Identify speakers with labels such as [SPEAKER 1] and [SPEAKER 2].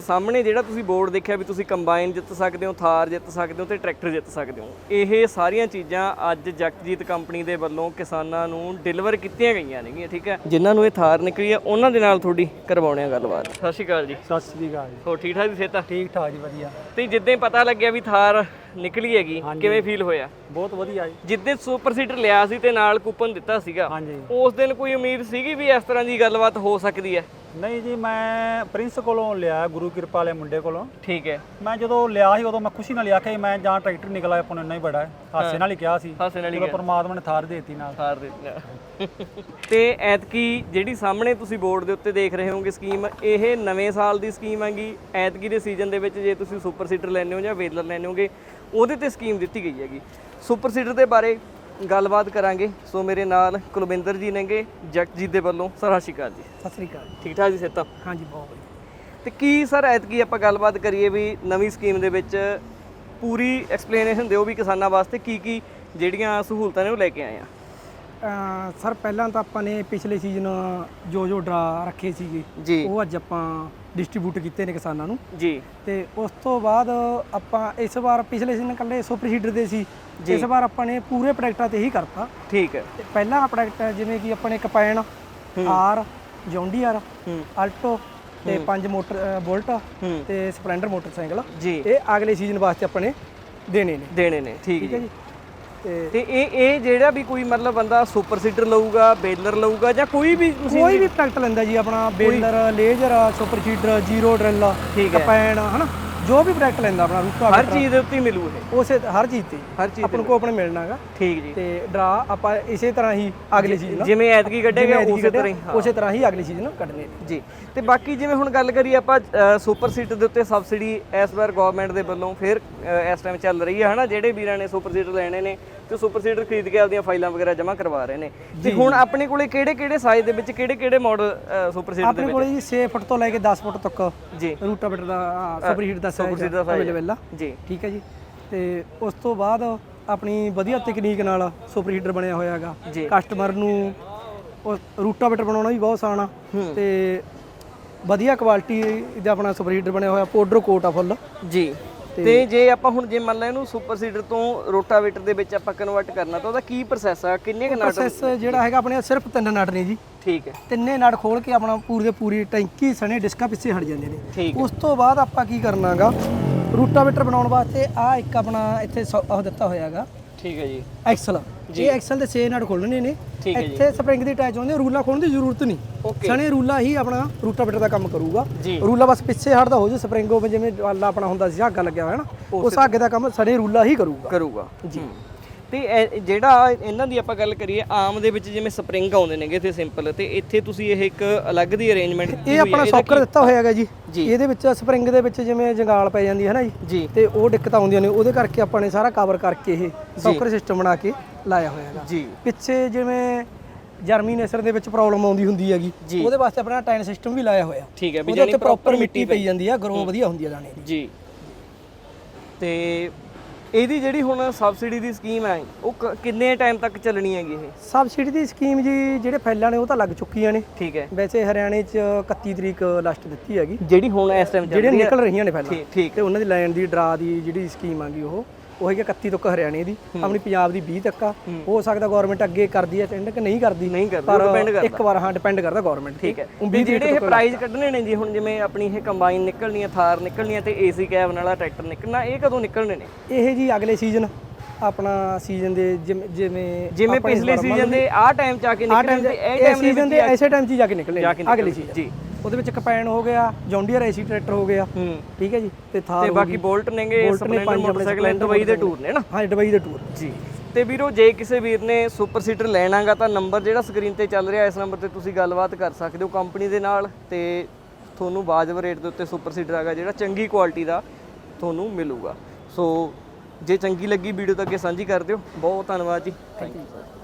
[SPEAKER 1] ਸਾਹਮਣੇ ਜਿਹੜਾ ਤੁਸੀਂ ਬੋਰਡ ਦੇਖਿਆ ਵੀ ਤੁਸੀਂ ਕੰਬਾਈਨ ਜਿੱਤ ਸਕਦੇ ਹੋ, ਥਾਰ ਜਿੱਤ ਸਕਦੇ ਹੋ ਤੇ ਟਰੈਕਟਰ ਜਿੱਤ ਸਕਦੇ ਹੋ, ਇਹ ਸਾਰੀਆਂ ਚੀਜ਼ਾਂ ਅੱਜ ਜਗਜੀਤ ਕੰਪਨੀ ਦੇ ਵੱਲੋਂ ਕਿਸਾਨਾਂ ਨੂੰ ਡਿਲੀਵਰ ਕੀਤੀਆਂ ਗਈਆਂ ਨੇਗੀਆਂ। ਠੀਕ ਹੈ, ਜਿਨ੍ਹਾਂ ਨੂੰ ਇਹ ਥਾਰ ਨਿਕਲੀ ਆ ਉਹਨਾਂ ਦੇ ਨਾਲ ਤੁਹਾਡੀ ਕਰਵਾਉਣੇ ਆ ਗੱਲਬਾਤ। ਸਤਿ ਸ਼੍ਰੀ ਅਕਾਲ ਜੀ।
[SPEAKER 2] ਸਤਿ ਸ੍ਰੀ ਅਕਾਲ ਜੀ।
[SPEAKER 1] ਹੋਰ ਠੀਕ ਠਾਕ ਜੀ? ਸਿਹਤ
[SPEAKER 2] ਠੀਕ ਠਾਕ ਜੀ, ਵਧੀਆ।
[SPEAKER 1] ਤੇ ਜਿੱਦਾਂ ਪਤਾ ਲੱਗਿਆ ਵੀ ਥਾਰ ਨਿਕਲੀ ਹੈਗੀ, ਕਿਵੇਂ ਫੀਲ ਹੋਇਆ?
[SPEAKER 2] ਬਹੁਤ ਵਧੀਆ ਜੀ।
[SPEAKER 1] ਜਿੱਦਾਂ ਸੁਪਰ ਸੀਡਰ ਲਿਆ ਸੀ ਤੇ ਨਾਲ ਕੂਪਨ ਦਿੱਤਾ ਸੀਗਾ,
[SPEAKER 2] ਹਾਂਜੀ,
[SPEAKER 1] ਉਸ ਦਿਨ ਕੋਈ ਉਮੀਦ ਸੀਗੀ ਵੀ ਇਸ ਤਰ੍ਹਾਂ ਦੀ ਗੱਲਬਾਤ ਹੋ ਸਕਦੀ ਹੈ?
[SPEAKER 2] ਨਹੀਂ ਜੀ, ਮੈਂ ਪ੍ਰਿੰਸ ਕੋਲੋਂ ਲਿਆ, ਗੁਰੂ ਕਿਰਪਾ ਵਾਲੇ ਮੁੰਡੇ ਕੋਲੋਂ।
[SPEAKER 1] ਠੀਕ ਹੈ।
[SPEAKER 2] ਮੈਂ ਜਦੋਂ ਲਿਆ ਸੀ ਉਦੋਂ ਮੈਂ ਖੁਸ਼ੀ ਨਾਲ ਲਿਆ ਕਿ ਮੈਂ ਜਾਂ ਟਰੈਕਟਰ ਨਿਕਲ ਆਇਆ, ਆਪਾਂ ਨੂੰ ਇੰਨਾ ਹੀ ਬੜਾ ਹੈ, ਹਾਸੇ ਨਾਲ ਹੀ ਕਿਹਾ ਸੀ।
[SPEAKER 1] ਹਾਸੇ ਨਾਲ ਹੀ
[SPEAKER 2] ਜਦੋਂ ਪਰਮਾਤਮਾ ਨੇ ਥਾਰ ਦੇਤੀ ਨਾਲ।
[SPEAKER 1] ਥਾਰ ਦੇਤੀ। ਤੇ ਐਤਕੀ ਜਿਹੜੀ ਸਾਹਮਣੇ ਤੁਸੀਂ ਬੋਰਡ ਦੇ ਉੱਤੇ ਦੇਖ ਰਹੇ ਹੋਗੇ ਸਕੀਮ, ਇਹ ਨਵੇਂ ਸਾਲ ਦੀ ਸਕੀਮ ਹੈਗੀ। ਐਤਕੀ ਦੇ ਸੀਜ਼ਨ ਦੇ ਵਿੱਚ ਜੇ ਤੁਸੀਂ ਸੁਪਰ ਸੀਡਰ ਲੈਣੇ ਹੋ ਜਾਂ ਵੇਲਰ ਲੈਣੇ ਹੋਗੇ, ਉਹਦੇ ਤੇ ਸਕੀਮ ਦਿੱਤੀ ਗਈ ਹੈਗੀ। ਸੁਪਰ ਸੀਡਰ ਦੇ ਬਾਰੇ ਗੱਲਬਾਤ ਕਰਾਂਗੇ। ਸੋ ਮੇਰੇ ਨਾਲ ਕੁਲਵਿੰਦਰ ਜੀ ਨੇਗੇ ਜਗਜੀਤ ਦੇ ਵੱਲੋਂ। ਸਰ ਸਤਿ ਸ਼੍ਰੀ ਅਕਾਲ ਜੀ।
[SPEAKER 2] ਸਤਿ ਸ੍ਰੀ ਅਕਾਲ।
[SPEAKER 1] ਠੀਕ ਠਾਕ ਜੀ ਸਿਹਤ?
[SPEAKER 2] ਹਾਂਜੀ, ਬਹੁਤ ਵਧੀਆ।
[SPEAKER 1] ਤੇ ਕੀ ਸਰ ਐਤਕੀ ਆਪਾਂ ਗੱਲਬਾਤ ਕਰੀਏ ਵੀ ਨਵੀਂ ਸਕੀਮ ਦੇ ਵਿੱਚ ਪੂਰੀ ਐਕਸਪਲੇਨੇਸ਼ਨ ਦਿਓ ਵੀ ਕਿਸਾਨਾਂ ਵਾਸਤੇ ਕੀ ਜਿਹੜੀਆਂ ਸਹੂਲਤਾਂ ਨੇ ਉਹ ਲੈ ਕੇ ਆਏ ਆ।
[SPEAKER 3] ਸਰ ਪਹਿਲਾਂ ਤਾਂ ਆਪਾਂ ਨੇ ਪਿਛਲੇ ਸੀਜ਼ਨ ਜੋ ਡਰਾ ਰੱਖੇ ਸੀਗੇ
[SPEAKER 1] ਜੀ,
[SPEAKER 3] ਉਹ ਅੱਜ ਆਪਾਂ ਡਿਸਟ੍ਰੀਬਿਊਟ ਕੀਤੇ ਨੇ ਕਿਸਾਨਾਂ ਨੂੰ
[SPEAKER 1] ਜੀ।
[SPEAKER 3] ਤੇ ਉਸ ਤੋਂ ਬਾਅਦ ਆਪਾਂ ਇਸ ਵਾਰ ਪਿਛਲੇ ਸੀਜ਼ਨ ਇਕੱਲੇ ਸੁਪਰ ਸੀਡਰ ਦੇ ਸੀ, ਇਸ ਵਾਰ ਆਪਾਂ ਨੇ ਪੂਰੇ ਪ੍ਰੋਡਕਟਾਂ ਤੇ ਹੀ ਕਰਤਾ।
[SPEAKER 1] ਠੀਕ ਹੈ।
[SPEAKER 3] ਤੇ ਪਹਿਲਾ ਪ੍ਰੋਡਕਟ ਜਿਵੇਂ ਕਿ ਆਪਣੇ ਕੰਪਾਈਨ, ਆਰ, ਜੌਂਡੀਆਰ, ਆਲਟੋ ਤੇ 5 ਮੋਟਰ ਬੁਲਟ ਤੇ ਸਪਲੈਂਡਰ ਮੋਟਰਸਾਈਕਲ
[SPEAKER 1] ਜੀ,
[SPEAKER 3] ਇਹ ਅਗਲੇ ਸੀਜ਼ਨ ਵਾਸਤੇ ਆਪਣੇ ਦੇਣੇ ਨੇ।
[SPEAKER 1] ਠੀਕ ਹੈ
[SPEAKER 3] ਜੀ।
[SPEAKER 1] ਤੇ ਇਹ ਜਿਹੜਾ ਵੀ ਕੋਈ ਮਤਲਬ ਬੰਦਾ ਸੁਪਰ ਸੀਡਰ ਲਊਗਾ, ਬੇਲਰ ਲਊਗਾ ਜਾਂ ਕੋਈ ਵੀ
[SPEAKER 3] ਪ੍ਰੋਡਕਟ ਲੈਂਦਾ ਜੀ, ਆਪਣਾ baler, laser, super seeder, zero drill, combine, ਹਨਾ, ਜੋ ਵੀ ਪ੍ਰੋਡਕਟ ਲੈਂਦਾ ਆਪਣਾ ਰੂਟਾ
[SPEAKER 1] ਹਰ ਚੀਜ਼ ਦੇ ਉੱਤੇ ਮਿਲੂ ਇਹ।
[SPEAKER 3] ਉਸੇ ਹਰ ਚੀਜ਼ ਤੇ ਆਪਾਂ ਨੂੰ ਆਪਣੇ ਮਿਲਣਾ ਹੈਗਾ।
[SPEAKER 1] ਠੀਕ ਜੀ।
[SPEAKER 3] ਤੇ ਡਰਾ ਆਪਾਂ ਇਸੇ ਤਰ੍ਹਾਂ ਹੀ ਅਗਲੇ ਸੀਜ਼ਨ
[SPEAKER 1] ਜਿਵੇਂ ਐਤਕੀ ਕੱਢੇਗਾ
[SPEAKER 3] ਉਸੇ ਤਰ੍ਹਾਂ ਹੀ ਅਗਲੇ ਸੀਜ਼ਨ ਕੱਢਨੇ
[SPEAKER 1] ਜੀ। ਤੇ ਬਾਕੀ ਜਿਵੇਂ ਹੁਣ ਗੱਲ ਕਰੀਏ ਆਪਾਂ ਸੁਪਰ ਸੀਡਰ ਦੇ ਉੱਤੇ ਸਬਸਿਡੀ ਇਸ ਵਾਰ ਗਵਰਨਮੈਂਟ ਦੇ ਵੱਲੋਂ ਫਿਰ ਇਸ ਟਾਈਮ ਚੱਲ ਰਹੀ ਹੈ, ਹਨਾ। ਜਿਹੜੇ ਵੀਰਾਂ ਨੇ ਸੁਪਰ ਸੀਡਰ ਲੈਣੇ ਨੇ ਤੇ ਸੁਪਰ ਸੀਡਰ ਖਰੀਦ ਕੇ ਆਪਦੀਆਂ ਫਾਈਲਾਂ ਵਗੈਰਾ ਜਮ੍ਹਾਂ ਕਰਵਾ ਰਹੇ ਨੇ। ਤੇ ਹੁਣ ਆਪਣੇ ਕੋਲੇ ਕਿਹੜੇ ਸਾਈਜ਼ ਦੇ ਵਿੱਚ ਕਿਹੜੇ ਮਾਡਲ ਸੁਪਰ ਸੀਡਰ ਦੇ ਵਿੱਚ?
[SPEAKER 3] ਆਪਣੇ ਕੋਲੇ ਜੀ 6 ਫੁੱਟ ਤੋਂ ਲੈ ਕੇ 10 ਫੁੱਟ ਤੱਕ
[SPEAKER 1] ਜੀ
[SPEAKER 3] ਰੂਟਾਵੇਟਰ ਦਾ ਸੁਪਰ ਸੀਡਰ ਦਾ ਸਾਈਜ਼ ਅਵੇਲੇਬਲ ਆ ਜੀ। ਠੀਕ ਹੈ ਜੀ। ਤੇ ਉਸ ਤੋਂ ਬਾਅਦ ਆਪਣੀ ਵਧੀਆ ਤਕਨੀਕ ਨਾਲ ਸੁਪਰ ਸੀਡਰ ਬਣਿਆ ਹੋਇਆ ਹੈਗਾ। ਕਸਟਮਰ ਨੂੰ ਰੂਟਾਵੇਟਰ ਬਣਾਉਣਾ ਵੀ ਬਹੁਤ ਆਸਾਨ ਆ ਤੇ ਵਧੀਆ ਕੁਆਲਿਟੀ ਦਾ ਆਪਣਾ ਸੁਪਰ ਸੀਡਰ ਬਣਿਆ ਹੋਇਆ, ਪਾਊਡਰ ਕੋਟ ਆ ਫੁੱਲ ਜੀ। ਤੇ ਜੇ ਆਪਾਂ ਹੁਣ ਜੇ ਮੰਨ ਲਾ ਇਹਨੂੰ ਸੁਪਰ ਸੀਡਰ ਤੋਂ ਰੋਟਾਵੇਟਰ ਦੇ ਵਿੱਚ ਆਪਾਂ ਕਨਵਰਟ ਕਰਨਾ ਤਾਂ ਉਹਦਾ ਕੀ ਪ੍ਰੋਸੈਸ ਆ? ਕਿੰਨੇ ਨਟ? ਪ੍ਰੋਸੈਸ ਜਿਹੜਾ ਹੈਗਾ ਆਪਣੇ ਸਿਰਫ 3 ਨਟ ਨੇ ਜੀ।
[SPEAKER 1] ਠੀਕ ਹੈ।
[SPEAKER 3] 3 ਨਟ ਖੋਲ ਕੇ ਆਪਣਾ ਪੂਰੀ ਟੈਂਕੀ ਸਣੇ ਡਿਸਕਾਂ ਪਿੱਛੇ ਹਟ ਜਾਂਦੇ ਨੇ। ਉਸ ਤੋਂ ਬਾਅਦ ਆਪਾਂ ਕੀ ਕਰਨਾਗਾ, ਰੂਟਾਵੇਟਰ ਬਣਾਉਣ ਵਾਸਤੇ ਆ ਇੱਕ ਆਪਣਾ ਇੱਥੇ ਉਹ ਦਿੱਤਾ ਹੋਇਆ ਹੈਗਾ। ਠੀਕ ਹੈ ਜੀ। ਐਕਸਲ, ਇਹ ਐਕਸਲ ਦੇ 6 ਨਟ ਖੋਲਣੇ ਨੇ। ਇੱਥੇ ਸਪਰਿੰਗ ਦੀ ਅਟੈਚ ਹੁੰਦੀ, ਰੂਲਾ ਖੋਲਣ ਦੀ ਜ਼ਰੂਰਤ ਨਹੀਂ। ਸਣੇ ਰੂਲਾ ਹੀ ਆਪਣਾ ਰੂਟਾਵੇਟਰ ਦਾ ਕੰਮ ਕਰੂਗਾ। ਰੂਲਾ ਬਸ ਪਿੱਛੇ ਹਟਦਾ ਹੋ ਜੇ, ਸਪਰਿੰਗ ਉਹ ਜਿਵੇਂ ਵਾਲਾ ਆਪਣਾ ਹੁੰਦਾ ਸੀ ਧਾਗਾ ਲੱਗਿਆ ਹੋਇਆ ਨਾ, ਉਸ ਧਾਗੇ ਦਾ ਕੰਮ ਸਣੇ ਰੂਲਾ ਹੀ ਕਰੂਗਾ ਜੀ। ਤੇ ਜਿਹੜਾ ਇਹਨਾਂ ਦੀ ਆਪਾਂ ਗੱਲ ਕਰੀਏ ਆਮ ਦੇ ਵਿੱਚ ਜਿਵੇਂ ਸਪਰਿੰਗ ਆਉਂਦੇ ਨੇਗੇ ਇੱਥੇ ਸਿੰਪਲ, ਤੇ ਇੱਥੇ ਤੁਸੀਂ ਇਹ ਇੱਕ ਅਲੱਗ ਦੀ ਅਰੇਂਜਮੈਂਟ ਇਹ ਆਪਣਾ ਸੌਕਰ ਦਿੱਤਾ ਹੋਇਆ ਹੈਗਾ ਜੀ। ਇਹਦੇ ਵਿੱਚ ਸਪਰਿੰਗ ਦੇ ਵਿੱਚ ਜਿਵੇਂ ਜੰਗਾਲ ਪੈ ਜਾਂਦੀ ਹੈ ਨਾ ਜੀ, ਤੇ ਉਹ ਦਿੱਕਤਾਂ ਆਉਂਦੀਆਂ ਨੇ, ਉਹਦੇ ਕਰਕੇ ਆਪਾਂ ਨੇ ਸਾਰਾ ਕਵਰ ਕਰਕੇ ਇਹ ਸੌਕਰ ਸਿਸਟਮ ਬਣਾ ਕੇ ਲਾਇਆ ਹੋਇਆ ਹੈਗਾ ਜੀ। ਪਿੱਛੇ ਜਿਵੇਂ ਜਰਮੀਨੇਸ਼ਨ ਦੇ ਵਿੱਚ ਪ੍ਰੋਬਲਮ ਆਉਂਦੀ ਹੁੰਦੀ ਹੈਗੀ, ਉਹਦੇ ਵਾਸਤੇ ਆਪਣਾ ਟਾਈਨ ਸਿਸਟਮ ਵੀ ਲਾਇਆ ਹੋਇਆ। ਠੀਕ ਹੈ, ਉਹਦੇ ਉੱਤੇ ਪ੍ਰੋਪਰ ਮਿੱਟੀ ਪਈ ਜਾਂਦੀ ਆ, ਗਰੋ ਵਧੀਆ ਹੁੰਦੀ ਆ ਦਾਣੇ ਦੀ ਜੀ। ਤੇ ਇਹਦੀ ਜਿਹੜੀ ਹੁਣ ਸਬਸਿਡੀ ਦੀ ਸਕੀਮ ਹੈ ਉਹ ਕਿੰਨੇ ਟਾਈਮ ਤੱਕ ਚੱਲਣੀ ਹੈਗੀ? ਇਹ ਸਬਸਿਡੀ ਦੀ ਸਕੀਮ ਜੀ ਜਿਹੜੇ ਫਾਈਲਾਂ ਨੇ ਉਹ ਤਾਂ ਲੱਗ ਚੁੱਕੀਆਂ ਨੇ। ਠੀਕ ਹੈ। ਵੈਸੇ ਹਰਿਆਣੇ 'ਚ 31 ਤਰੀਕ ਲਾਸਟ ਦਿੱਤੀ ਹੈਗੀ, ਜਿਹੜੀ ਹੁਣ ਇਸ ਟਾਈਮ ਜਿਹੜੀਆਂ ਨਿਕਲ ਰਹੀਆਂ ਨੇ ਫਾਈਲਾਂ। ਠੀਕ ਹੈ। ਉਹਨਾਂ ਦੀ ਲੈਣ ਦੀ ਡਰਾ ਦੀ ਜਿਹੜੀ ਸਕੀਮ ਆਗੀ ਉਹ ਹੈਗੀ 31 ਤੱਕ ਹਰਿਆਣੇ ਦੀ, ਆਪਣੀ ਪੰਜਾਬ ਦੀ 20 ਤੱਕ ਆ। ਹੋ ਸਕਦਾ ਗਵਰਨਮੈਂਟ ਅੱਗੇ ਕਰਦੀ ਹੈ ਟੈਂਡਰ ਕਿ ਨਹੀਂ ਕਰਦੀ, ਪਰ ਇੱਕ ਵਾਰ ਡਿਪੈਂਡ ਕਰਦਾ ਗਵਰਨਮੈਂਟ। ਠੀਕ ਹੈ। ਜਿਹੜੇ ਇਹ ਪ੍ਰਾਈਜ਼ ਕੱਢਣੇ ਨੇ ਜੀ, ਹੁਣ ਜਿਵੇਂ ਆਪਣੀ ਇਹ ਕੰਬਾਈਨ ਨਿਕਲਣੀ ਆ, ਥਾਰ ਨਿਕਲਣੀ ਆ ਤੇ ਏਸੀ ਕੈਬਨ ਵਾਲਾ ਟਰੈਕਟਰ ਨਿਕਲਣਾ, ਇਹ ਕਦੋਂ ਨਿਕਲਣੇ ਨੇ? ਇਹ ਜੀ ਅਗਲੇ ਸੀਜ਼ਨ, ਆਪਣਾ ਸੀਜ਼ਨ ਦੇ ਜਿਵੇਂ ਪਿਛਲੇ ਸੀਜ਼ਨ ਦੇ ਆਹ ਟਾਈਮ 'ਚ ਆ ਕੇ ਨਿਕਲਣਗੇ, ਇਹ ਸੀਜ਼ਨ ਦੇ ਐਸੇ ਟਾਈਮ 'ਚ ਜਾ ਕੇ ਨਿਕਲਣੇ ਅਗਲੇ ਸੀਜ਼ਨ ਜੀ। ਉਹਦੇ ਵਿੱਚ ਕੰਪਾਈਨ ਹੋ ਗਿਆ, ਜੌਂਡੀਅਰ ਏਸੀ ਟਰੈਕਟਰ ਹੋ ਗਿਆ। ਠੀਕ ਹੈ ਜੀ। ਤੇ ਥਾਰ ਤੇ ਬਾਕੀ ਬੋਲਟ ਨੇਗੇ, ਸਪਲੈਂਡਰ ਮੋਟਰਸਾਈਕਲ, ਦੁਬਈ ਦੇ ਟੂਰ ਨੇ ਨਾ। ਹਾਂ, ਦੁਬਈ ਦੇ ਟੂਰ ਜੀ। ਤੇ ਵੀਰੋ ਜੇ ਕਿਸੇ ਵੀਰ ਨੇ ਸੁਪਰ ਸੀਡਰ ਲੈਣਾਗਾ ਤਾਂ ਨੰਬਰ ਜਿਹੜਾ ਸਕਰੀਨ ਤੇ ਚੱਲ ਰਿਹਾ, ਇਸ ਨੰਬਰ ਤੇ ਤੁਸੀਂ ਗੱਲਬਾਤ ਕਰ ਸਕਦੇ ਹੋ ਕੰਪਨੀ ਦੇ ਨਾਲ, ਤੇ ਤੁਹਾਨੂੰ ਵਾਜਬ ਰੇਟ ਦੇ ਉੱਤੇ ਸੁਪਰ ਸੀਡਰ ਹੈਗਾ ਜਿਹੜਾ ਚੰਗੀ ਕੁਆਲਿਟੀ ਦਾ ਤੁਹਾਨੂੰ ਮਿਲੂਗਾ। ਸੋ ਜੇ ਚੰਗੀ ਲੱਗੀ ਵੀਡੀਓ ਤਾਂ ਅੱਗੇ ਸਾਂਝੀ ਕਰ ਦਿਓ। ਬਹੁਤ ਧੰਨਵਾਦ ਜੀ। Thank you.